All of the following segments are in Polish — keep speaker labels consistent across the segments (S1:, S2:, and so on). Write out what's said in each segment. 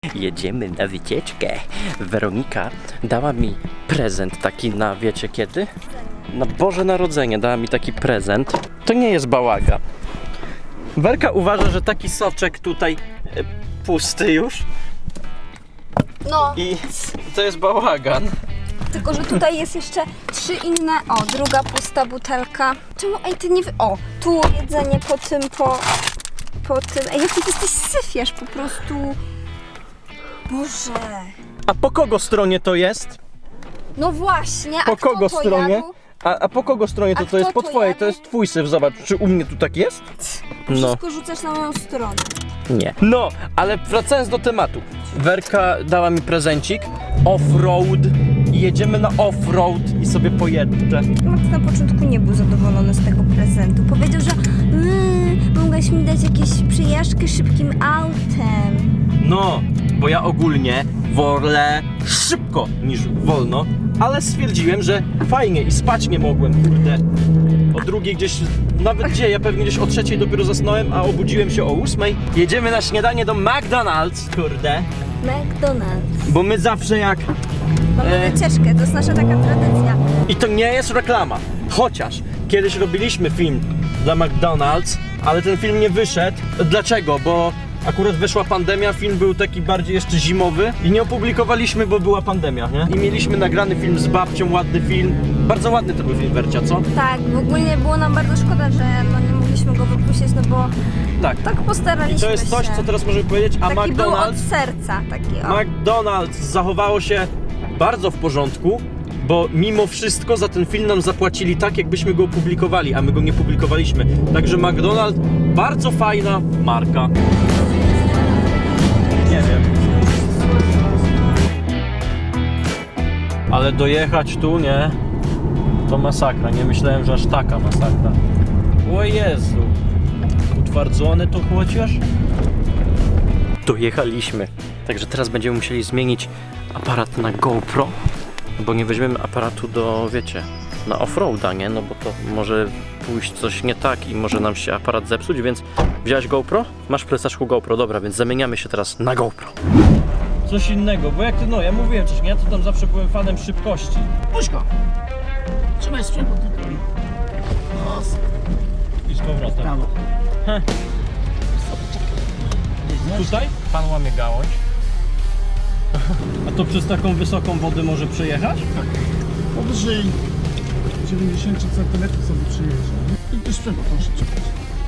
S1: jedziemy na wycieczkę. Weronika dała mi prezent taki na, wiecie kiedy? Na Boże Narodzenie dała mi taki prezent. To nie jest bałagan. Werka uważa, że taki soczek tutaj pusty już.
S2: No,
S1: I to jest bałagan.
S2: tylko że tutaj jest jeszcze 3 inne. O, druga pusta butelka. Czemu? Ej, ty nie... O, tu jedzenie po tym, po tym. Ej, jaki ty jesteś syfiarz po prostu. Boże.
S1: A po kogo stronie to jest?
S2: No właśnie, a
S1: Po
S2: kto
S1: kogo
S2: to
S1: stronie?
S2: jadł?
S1: A po kogo stronie to
S2: kto
S1: jest? Po
S2: to
S1: twojej,
S2: jadł?
S1: to jest twój syf, zobacz. Czy u mnie tu tak jest? No.
S2: Wszystko rzucasz na moją stronę.
S1: Nie. No, ale wracając do tematu. Werka dała mi prezencik. Off-road. I jedziemy na off-road i sobie pojeżdżę.
S2: Max na początku nie był zadowolony z tego prezentu. Powiedział, że mogłeś mi dać jakieś przejażdżkę szybkim autem.
S1: No, bo ja ogólnie wolę szybko niż wolno, ale stwierdziłem, że fajnie i spać nie mogłem, kurde. O drugiej gdzieś, nawet gdzie, ja pewnie gdzieś o 3 dopiero zasnąłem, a obudziłem się o 8. Jedziemy na śniadanie do McDonald's, kurde.
S2: McDonald's.
S1: Bo my zawsze jak...
S2: Mamy wycieczkę, to jest nasza taka tradycja.
S1: I to nie jest reklama, chociaż kiedyś robiliśmy film dla McDonald's, ale ten film nie wyszedł. Dlaczego? Bo akurat wyszła pandemia, film był taki bardziej jeszcze zimowy i nie opublikowaliśmy, bo była pandemia, nie? I mieliśmy nagrany film z babcią, ładny film. Bardzo ładny to był film, Wercia, co?
S2: Tak, w ogóle było nam bardzo szkoda, że no nie mogliśmy go wypuścić, no bo tak postaraliśmy
S1: I to jest coś,
S2: się.
S1: co teraz możemy powiedzieć, a
S2: Taki był od
S1: McDonald's...
S2: serca, taki o.
S1: McDonald's zachowało się bardzo w porządku, bo mimo wszystko za ten film nam zapłacili tak, jakbyśmy go opublikowali, a my go nie publikowaliśmy. Także McDonald's, bardzo fajna marka. Nie wiem. Ale dojechać tu, nie? To masakra. Nie myślałem, że aż taka masakra. O Jezu. Utwardzone to chociaż? Dojechaliśmy. Także teraz będziemy musieli zmienić aparat na GoPro, bo nie weźmiemy aparatu do, wiecie, na offroada, nie? No bo to może pójść coś nie tak i może nam się aparat zepsuć, więc wziąłeś GoPro? Masz w plecaczku GoPro, dobra, więc zamieniamy się teraz na GoPro. Coś innego, bo jak ty, no ja mówiłem wcześniej, ja to tam zawsze byłem fanem szybkości.
S3: Puść go! Trzymaj sprzęgło tylko. No,
S1: I z powrotem.
S3: prawo.
S1: Heh. Tutaj pan łamie gałąź. A to przez taką wysoką wodę może przejechać?
S3: Powyżej 90 cm sobie przyjeżdża. I ty sprzęgło proszę czekać.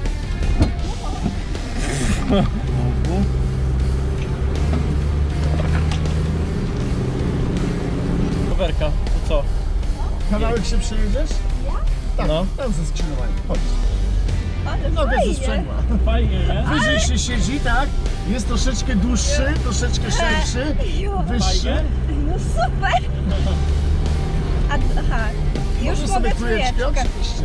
S1: Werka, to co?
S3: Kawałek się przejedziesz? Ja? Tak,
S1: No.
S3: tam ze skrzyżowaniem. Chodź.
S2: Ale
S3: Nogę ze sprzęgła.
S1: Fajnie, nie?
S3: Wyżej się siedzi, tak? Jest troszeczkę dłuższy, troszeczkę szerszy, wyższy.
S2: No super! Aha, już
S3: Możesz
S2: mogę
S3: sobie trójeczkę,
S2: trójeczkę.
S3: oczywiście.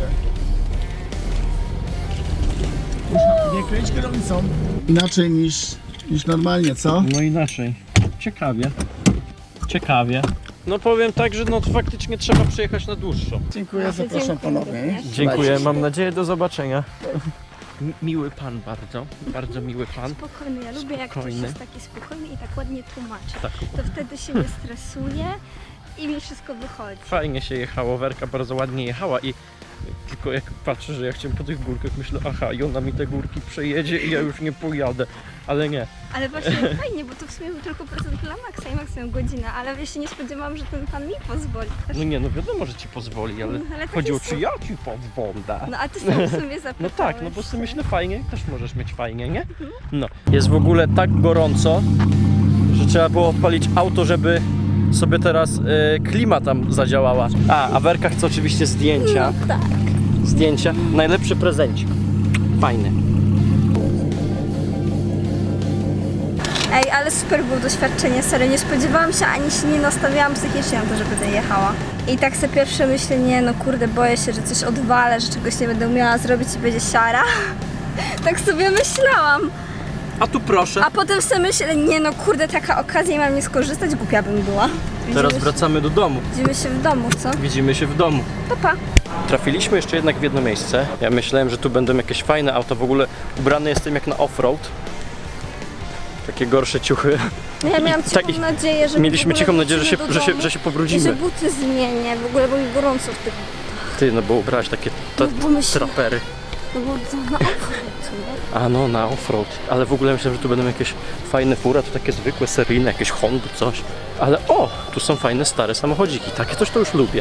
S3: Nie kręć kierownicą. Inaczej niż normalnie, co?
S1: No inaczej. Ciekawie. Ciekawie. No powiem tak, że no to faktycznie trzeba przyjechać na dłuższą.
S3: Dziękuję, zapraszam
S2: Dziękuję
S3: ponownie.
S2: również.
S1: Dziękuję, mam nadzieję, do zobaczenia. Miły pan bardzo, bardzo miły pan.
S2: Spokojny, ja lubię jak ktoś
S1: Spokojny.
S2: jest taki spokojny i tak ładnie tłumaczy.
S1: Tak.
S2: To wtedy się nie stresuje i mi wszystko wychodzi.
S1: Fajnie się jechało, Werka bardzo ładnie jechała i tylko jak patrzę, że ja chciałem po tych górkach, myślę, aha, i ona mi te górki przejedzie i ja już nie pojadę, ale nie.
S2: Ale właśnie fajnie, bo to w sumie był tylko prezent dla Maxa i Max miał godzinę, ale ja się nie spodziewałam, że ten pan mi pozwoli.
S1: No nie, no wiadomo, że ci pozwoli, ale
S2: Ale tak
S1: chodziło,
S2: jest.
S1: czy ja ci pozwolę.
S2: No a ty sam w sumie zapytałeś.
S1: No tak, no bo sobie myślę fajnie, też możesz mieć fajnie, nie? No. Jest w ogóle tak gorąco, że trzeba było odpalić auto, żeby sobie teraz klima tam zadziałała. A Werka chce oczywiście zdjęcia.
S2: No tak.
S1: Zdjęcia. Najlepszy prezencik. Fajny.
S2: Ej, ale super było doświadczenie, serio, nie spodziewałam się, ani się nie nastawiałam psychicznie na to, że będę jechała. I tak sobie pierwsze myślenie, no kurde, boję się, że coś odwalę, że czegoś nie będę umiała zrobić i będzie siara. Tak sobie myślałam.
S1: A tu proszę.
S2: A potem sobie myślę, nie no kurde, taka okazja i mam nie skorzystać, głupia bym była.
S1: Teraz wracamy do domu.
S2: Widzimy się w domu, co?
S1: Widzimy się w domu.
S2: Pa, pa.
S1: Trafiliśmy jeszcze jednak w jedno miejsce. Ja myślałem, że tu będą jakieś fajne auta. W ogóle ubrany jestem jak na offroad. Takie gorsze ciuchy.
S2: No ja miałam cichą
S1: Tak, i
S2: nadzieję, że
S1: mieliśmy
S2: w ogóle
S1: cichą nadzieję,
S2: wrócimy do domu
S1: że się
S2: i
S1: pobrudzimy.
S2: że buty zmienię, w ogóle bo mi gorąco w tych...
S1: Ty, no bo ubrałaś takie
S2: bo myślę-
S1: trapery.
S2: No bo to na offroad, nie?
S1: A no, na offroad. Ale w ogóle myślałem, że tu będą jakieś fajne fury, a tu takie zwykłe, seryjne, jakieś Hondy, coś. Ale o, tu są fajne, stare samochodziki. Takie coś to już lubię.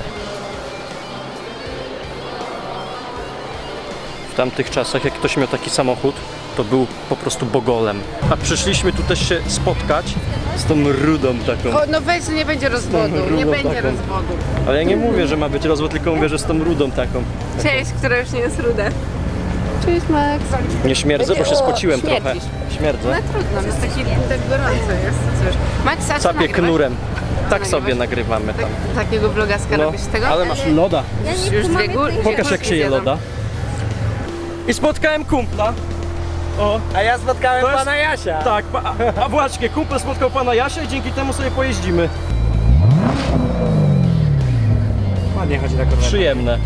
S1: W tamtych czasach, jak ktoś miał taki samochód, to był po prostu bogolem. A przyszliśmy tu też się spotkać z tą rudą taką.
S4: O, no weź, nie będzie rozwodu, nie
S1: Rudą
S4: będzie
S1: taką.
S4: rozwodu.
S1: Ale ja nie mówię, że ma być rozwód, tylko mówię, że z tą rudą taką.
S4: Cześć, która już nie jest ruda. Cześć, Max.
S1: Nie śmierdzę, bo się spociłem trochę.
S4: śmierdzisz.
S1: Śmierdzę.
S4: No trudno, no taki tak gorąco jest, cóż. Max, a co
S1: Capię
S4: nagrywasz?
S1: knurem. Tak
S4: nagrywasz?
S1: sobie nagrywamy tam.
S4: Takiego vlogaska
S1: No,
S4: robisz z tego?
S1: ale masz loda.
S2: Ja nie
S4: Już
S2: kumam,
S4: dwie góry.
S2: jak to
S1: Pokaż jak się je
S4: zjadam.
S1: loda. I spotkałem kumpla. O,
S5: A ja spotkałem
S1: To jest-
S5: pana Jasia.
S1: tak, a właśnie, kumpel spotkał pana Jasia i dzięki temu sobie pojeździmy.
S5: Ładnie chodzi na korwetę.
S1: Przyjemne.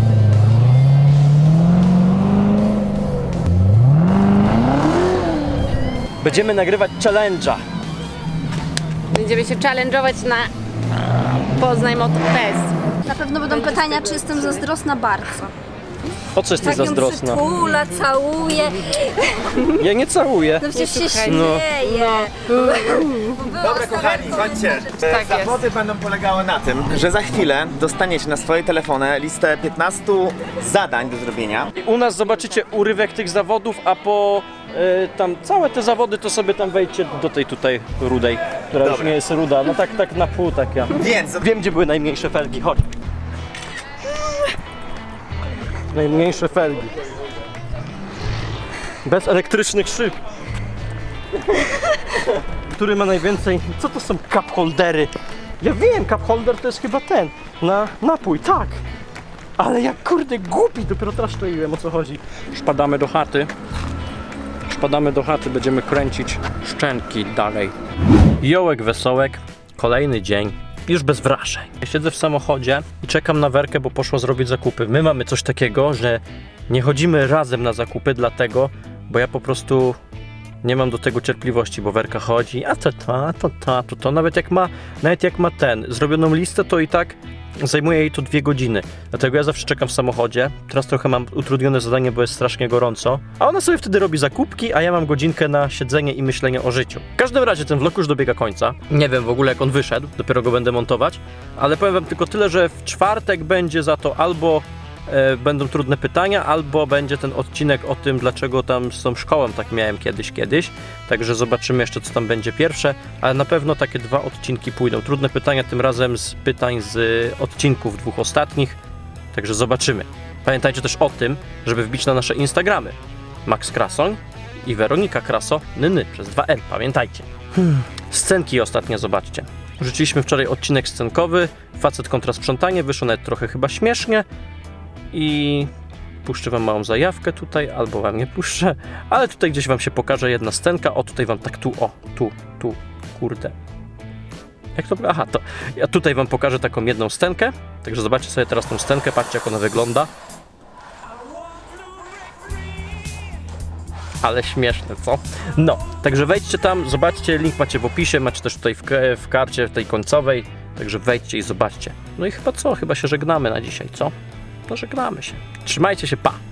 S1: Będziemy nagrywać challenge'a.
S4: Będziemy się challenge'ować na Poznań Motor Fest.
S2: Na pewno będą pytania, czy jestem zazdrosna bardzo.
S1: O co jesteś
S2: Tak ją
S1: zazdrosna?
S2: przytula, całuje.
S1: Ja nie całuję.
S2: No przecież się
S4: słuchaj,
S2: śmieje.
S5: Dobra kochani, słuchajcie,
S4: Tak
S5: zawody będą polegały na tym, że za chwilę dostaniecie na swoje telefony listę 15 zadań do zrobienia.
S1: U nas zobaczycie urywek tych zawodów, a po tam całe te zawody to sobie tam wejdźcie do tej tutaj rudej, która już
S5: Dobra.
S1: nie jest ruda, no tak na pół taka.
S5: Więc
S1: Wiem, gdzie były najmniejsze felgi, chodź. Najmniejsze felgi. Bez elektrycznych szyb. Który ma najwięcej... Co to są cup holdery? Ja wiem, cup holder to jest chyba ten. Na napój, tak. Ale jak kurde głupi, dopiero teraz czaiłem, o co chodzi. Szpadamy do chaty. Szpadamy do chaty, będziemy kręcić szczęki dalej. Jołek wesołek, kolejny dzień, już bez wrażeń. Ja siedzę w samochodzie i czekam na Werkę, bo poszła zrobić zakupy. My mamy coś takiego, że nie chodzimy razem na zakupy, dlatego, bo ja po prostu nie mam do tego cierpliwości, bo Werka chodzi, a to. Nawet jak ma zrobioną listę, to i tak zajmuje jej to 2 godziny. Dlatego ja zawsze czekam w samochodzie. Teraz trochę mam utrudnione zadanie, bo jest strasznie gorąco. A ona sobie wtedy robi zakupki, a ja mam godzinkę na siedzenie i myślenie o życiu. W każdym razie ten vlog już dobiega końca. Nie wiem w ogóle jak on wyszedł, dopiero go będę montować. Ale powiem wam tylko tyle, że w czwartek będzie za to albo będą trudne pytania, albo będzie ten odcinek o tym, dlaczego tam z tą szkołą tak miałem kiedyś. Także zobaczymy jeszcze, co tam będzie pierwsze, ale na pewno takie 2 odcinki pójdą. Trudne pytania tym razem z pytań z odcinków 2 ostatnich, także zobaczymy. Pamiętajcie też o tym, żeby wbić na nasze Instagramy. Max Krasoń i Weronika Kraso, przez 2L, pamiętajcie. Scenki ostatnie zobaczcie. Wrzuciliśmy wczoraj odcinek scenkowy, facet kontra sprzątanie, wyszło nawet trochę chyba śmiesznie. I puszczę wam małą zajawkę tutaj, albo wam nie puszczę, ale tutaj gdzieś wam się pokaże jedna scenka, o tutaj wam tak tu, kurde. Jak to? Aha, to ja tutaj wam pokażę taką jedną scenkę, także zobaczcie sobie teraz tą scenkę, patrzcie jak ona wygląda. Ale śmieszne, co? No, także wejdźcie tam, zobaczcie, link macie w opisie, macie też tutaj w karcie tej końcowej, także wejdźcie i zobaczcie. No i chyba co? Chyba się żegnamy na dzisiaj, co? To żegnamy się. Trzymajcie się, pa!